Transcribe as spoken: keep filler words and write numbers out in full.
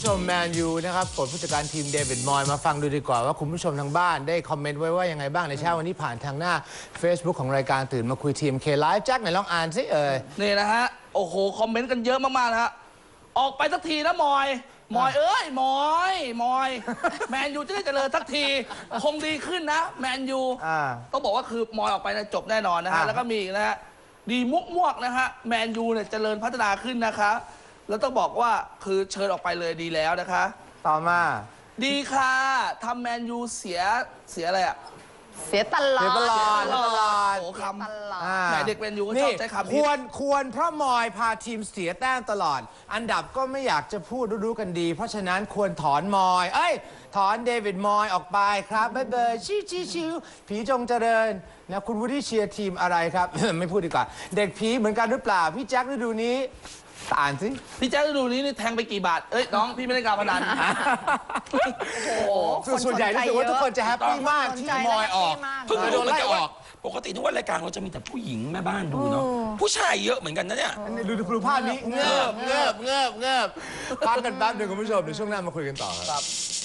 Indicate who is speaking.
Speaker 1: ชมแมนยูนะครับปลดผู้จัดการทีมเดวิดมอยมาฟังดูดีกว่าว่าคุณผู้ชมทางบ้านได้คอมเมนต์ไว้ว่ายังไงบ้างในเช้าวันนี้ผ่านทางหน้า Facebook ของรายการตื่นมาคุยทีมเคไลฟ์แจ็คไหนลองอ่านสิเอ่ย
Speaker 2: นี่นะฮะโอ้โหคอมเมนต์กันเยอะมากๆนะฮะออกไปสักทีนะมอยมอยเอ้ยมอยมอยแมนยูจะได้เจริญสักทีคงดีขึ้นนะแมนยูต้องบอกว่าคือมอยออกไปนะจบแน่นอนนะฮะแล้วก็มีอีกนะฮะดีมุกมวกนะฮะแมนยูเนี่ยเจริญพัฒนาขึ้นนะคะแล้วต้องบอกว่าคือเชิญออกไปเลยดีแล้วนะคะ
Speaker 1: ต่อมา
Speaker 2: ดีค่ะทำแมนยูเสียเสียอะไรอะ
Speaker 3: เสียตลอด
Speaker 1: เสียตลอดตลอด
Speaker 2: โอ้คำ
Speaker 1: แ
Speaker 2: หมเด็กแมนยูก็ชอบใช้คำ
Speaker 1: ควรควรเพราะมอยพาทีมเสียแต้มตลอดอันดับก็ไม่อยากจะพูดรู้ๆกันดีเพราะฉะนั้นควรถอนมอยเอ้ยถอนเดวิดมอยออกไปครับบ๊ายบายชิวชิวชิวผีจงเจริญนะคุณวูดดี้เชียร์ทีมอะไรครับ ไม่พูดดีกว่าเด็กผีเหมือนกันหรือเปล่าพี่แจ็คฤดูนี้อ่านสิ
Speaker 2: พี่แจ๊คฤดูนี้นี่แทงไปกี่บาทเอ้ยน้องพี่ไม่ได้การพนัน
Speaker 1: โอ้โหส่วนใหญ่รู้สึกว่าทุกคนจะแฮปปี้มากที่มอยออก
Speaker 4: เพิ่งรู้มันจะออกปกติทุกวันรายการเราจะมีแต่ผู้หญิงแม่บ้านดูเนาะผู้ชายเยอะเหมือนกันนะเนี่ย
Speaker 1: ดูดูภาพนี้เงือบเงือบเงือบเงือบพักกันแป๊บหนึ่งคุณผู้ชมเดี๋ยวช่วงหน้ามาคุยกันต่อครับ